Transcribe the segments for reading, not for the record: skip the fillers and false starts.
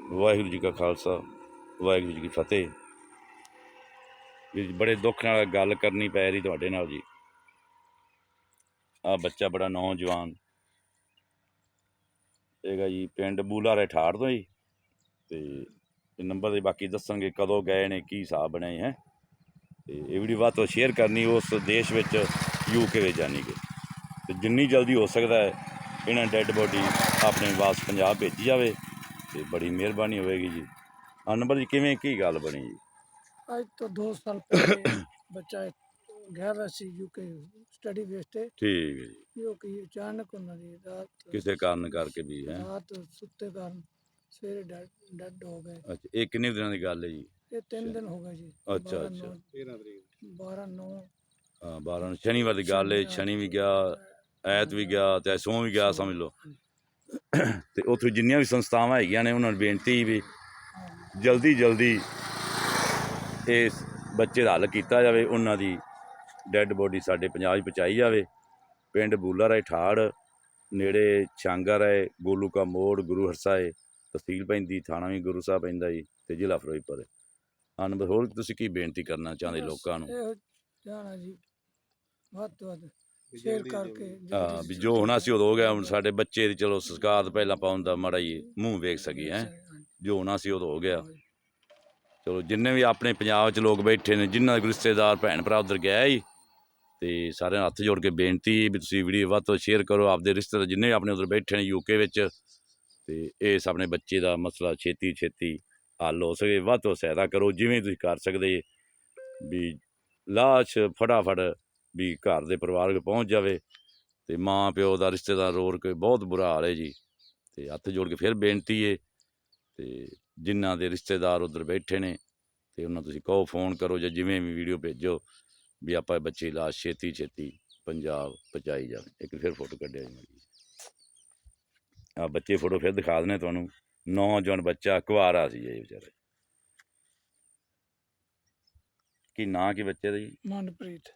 ਵਾਹਿਗੁਰੂ जी का खालसा वाहिगुरू जी की फतेह। बड़े दुख नाल गल करनी पै रही तुहाडे नाल जी। आ बच्चा बड़ा नौजवान हैगा जी, पिंड बूला रे ठाड़ तो जी। तो नंबर दे बाकी दसणगे कदों गए ने, की हिसाब बनाए हैं। तो ये वीडियो बाद तो शेयर करनी उस देश में UK में जानी कि तो जिन्नी जल्दी हो सकता है इन्हें डैड बॉडी अपने वापस पंजाब भेजी जाए तो बड़ी मेहरबानी होएगी जी। हाँ नंबर जी, किवें की गल बनी जी? आज तो 2 साल पहले बच्चा गया हुआ सी UK स्टडी बेस ते। ठीक है जी। जो कि अचानक उन्होंने रात किसी कारण करके भी है रात सुते कारण सवेरे डेड हो गए। अच्छा, ये किन्ने दिनों की गल है जी? ये 3 दिन हो गए जी। अच्छा अच्छा, 12/9 हाँ 12 शनिवार की गल है। शनि भी गया, ऐत भी गया ते सोम भी गया समझ लो। ਤੇ ਉੱਥੇ ਜਿੰਨੀਆਂ ਵੀ ਸੰਸਥਾਵਾਂ ਹੈਗੀਆਂ ਨੇ ਉਹਨਾਂ ਨੂੰ ਬੇਨਤੀ ਵੀ ਜਲਦੀ ਜਲਦੀ ਇਸ ਬੱਚੇ ਦਾ ਹੱਲ ਕੀਤਾ ਜਾਵੇ, ਉਹਨਾਂ ਦੀ ਡੈੱਡ ਬੋਡੀ ਸਾਡੇ ਪੰਜਾਬ 'ਚ ਪਹੁੰਚਾਈ ਜਾਵੇ। ਪਿੰਡ ਬੂਲਾ ਰਾਏ ਠਾੜ ਨੇੜੇ ਛਾਂਗਾ ਰਾਏ, ਗੋਲੂ ਕਾ ਮੋੜ, ਗੁਰੂ ਹਰਸਾਏ ਤਹਿਸੀਲ ਪੈਂਦੀ, ਥਾਣਾ ਵੀ ਗੁਰੂ ਸਾਹਿਬ ਪੈਂਦਾ ਜੀ ਤੇ ਜ਼ਿਲ੍ਹਾ ਫਿਰੋਜ਼ਪੁਰ। ਹਾਂ ਨੰਬਰ ਹੋਰ ਤੁਸੀਂ ਕੀ ਬੇਨਤੀ ਕਰਨਾ ਚਾਹੁੰਦੇ ਲੋਕਾਂ ਨੂੰ? ਇਹੋ ਜਾਣਾ ਜੀ, ਵੱਧ ਤੋਂ ਵੱਧ ਸ਼ੇਅਰ ਕਰਕੇ ਹਾਂ ਵੀ ਜੋ ਹੋਣਾ ਸੀ ਉਦੋਂ ਹੋ ਗਿਆ। ਹੁਣ ਸਾਡੇ ਬੱਚੇ ਦੀ ਚਲੋ ਸੰਸਕਾਰ ਤੋਂ ਪਹਿਲਾਂ ਪਾਉਣ ਦਾ ਮਾੜਾ ਜੀ ਮੂੰਹ ਵੇਖ ਸਕੀਏ ਹੈ। ਜੋ ਹੋਣਾ ਸੀ ਉਦੋਂ ਹੋ ਗਿਆ। ਚਲੋ ਜਿੰਨੇ ਵੀ ਆਪਣੇ ਪੰਜਾਬ 'ਚ ਲੋਕ ਬੈਠੇ ਨੇ, ਜਿਨ੍ਹਾਂ ਦੇ ਰਿਸ਼ਤੇਦਾਰ ਭੈਣ ਭਰਾ ਉੱਧਰ ਗਿਆ ਜੀ, ਤੇ ਸਾਰਿਆਂ ਨੂੰ ਹੱਥ ਜੋੜ ਕੇ ਬੇਨਤੀ ਵੀ ਤੁਸੀਂ ਵੀਡੀਓ ਵੱਧ ਤੋਂ ਸ਼ੇਅਰ ਕਰੋ। ਆਪਦੇ ਰਿਸ਼ਤੇਦਾਰ ਜਿੰਨੇ ਵੀ ਆਪਣੇ ਉੱਧਰ ਬੈਠੇ ਨੇ UK ਵਿੱਚ, ਤੇ ਇਸ ਆਪਣੇ ਬੱਚੇ ਦਾ ਮਸਲਾ ਛੇਤੀ ਛੇਤੀ ਹੱਲ ਹੋ ਸਕੇ। ਵੱਧ ਤੋਂ ਸਹਾਇਤਾ ਕਰੋ ਜਿਵੇਂ ਤੁਸੀਂ ਕਰ ਸਕਦੇ ਵੀ ਲਾਸ਼ ਫਟਾਫਟ ਵੀ ਘਰ ਦੇ ਪਰਿਵਾਰ ਕੋਲ ਪਹੁੰਚ ਜਾਵੇ। ਤੇ ਮਾਂ ਪਿਓ ਦਾ ਰਿਸ਼ਤੇਦਾਰ ਰੋੜ ਕੇ ਬਹੁਤ ਬੁਰਾ ਹਾਲ ਹੈ ਜੀ। ਤੇ ਹੱਥ ਜੋੜ ਕੇ ਫਿਰ ਬੇਨਤੀ ਹੈ ਤੇ ਜਿਨ੍ਹਾਂ ਦੇ ਰਿਸ਼ਤੇਦਾਰ ਉੱਧਰ ਬੈਠੇ ਨੇ ਤੇ ਉਹਨਾਂ ਤੁਸੀਂ ਕਹੋ, ਫੋਨ ਕਰੋ ਜਾਂ ਜਿਵੇਂ ਵੀ ਵੀਡੀਓ ਭੇਜੋ ਵੀ ਆਪਾਂ ਬੱਚੇ ਦੀ ਲਾਸ਼ ਛੇਤੀ ਛੇਤੀ ਪੰਜਾਬ ਪਹੁੰਚਾਈ ਜਾਵੇ। ਇੱਕ ਫਿਰ ਫੋਟੋ ਕੱਢਿਆ ਜੀ, ਆ ਬੱਚੇ ਫੋਟੋ ਫਿਰ ਦਿਖਾ ਦਿੰਦੇ ਤੁਹਾਨੂੰ। ਨੌਜਵਾਨ ਬੱਚਾ ਕੁਆਰਾ ਸੀ ਇਹ ਵਿਚਾਰਾ। ਕੀ ਨਾਂ ਕੀ ਬੱਚੇ ਦਾ ਜੀ? ਮਨਪ੍ਰੀਤ।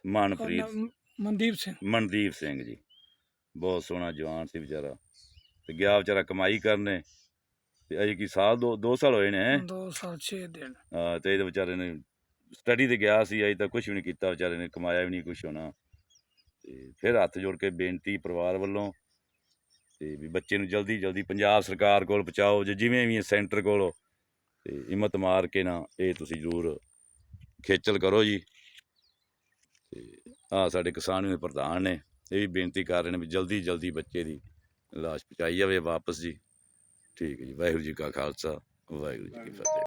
ਮਨਦੀਪ ਸਿੰਘ ਜੀ। ਬਹੁਤ ਸੋਹਣਾ ਜਵਾਨ ਸੀ ਵਿਚਾਰਾ। ਤੇ ਗਿਆ ਵਿਚਾਰਾ ਕਮਾਈ ਕਰਨੇ ਤੇ ਅਜੇ ਕੀ ਸਾਲ 2 ਸਾਲ ਹੋਏ ਨੇ। 2 ਸਾਲ 6 ਦਿਨ। ਹਾਂ ਤੇ ਇਹਦੇ ਵਿਚਾਰੇ ਨੇ ਸਟੱਡੀ ਤੇ ਗਿਆ ਸੀ, ਅਜੇ ਤਾਂ ਕੁਛ ਵੀ ਨਹੀਂ ਕੀਤਾ ਵਿਚਾਰੇ ਨੇ, ਕਮਾਇਆ ਵੀ ਨਹੀਂ ਕੁਛ ਹੋਣਾ। ਤੇ ਫਿਰ ਹੱਥ ਜੋੜ ਕੇ ਬੇਨਤੀ ਪਰਿਵਾਰ ਵੱਲੋਂ ਤੇ ਵੀ ਬੱਚੇ ਨੂੰ ਜਲਦੀ ਜਲਦੀ ਪੰਜਾਬ ਸਰਕਾਰ ਕੋਲ ਪਹੁੰਚਾਓ ਜੇ ਜਿਵੇਂ ਵੀ ਸੈਂਟਰ ਕੋਲ। ਤੇ ਹਿੰਮਤ ਮਾਰ ਕੇ ਨਾ ਇਹ ਤੁਸੀਂ ਜ਼ਰੂਰ ਖੇਚਲ ਕਰੋ ਜੀ। ਤੇ ਆਹ ਸਾਡੇ ਕਿਸਾਨ ਦੇ ਪ੍ਰਧਾਨ ਨੇ, ਇਹ ਵੀ ਬੇਨਤੀ ਕਰ ਰਹੇ ਨੇ ਵੀ ਜਲਦੀ ਜਲਦੀ ਬੱਚੇ ਦੀ ਲਾਸ਼ ਪਹੁੰਚਾਈ ਜਾਵੇ ਵਾਪਸ ਜੀ। ਠੀਕ ਹੈ ਜੀ। ਵਾਹਿਗੁਰੂ ਜੀ ਕਾ ਖਾਲਸਾ, ਵਾਹਿਗੁਰੂ ਜੀ ਕੀ ਫਤਿਹ।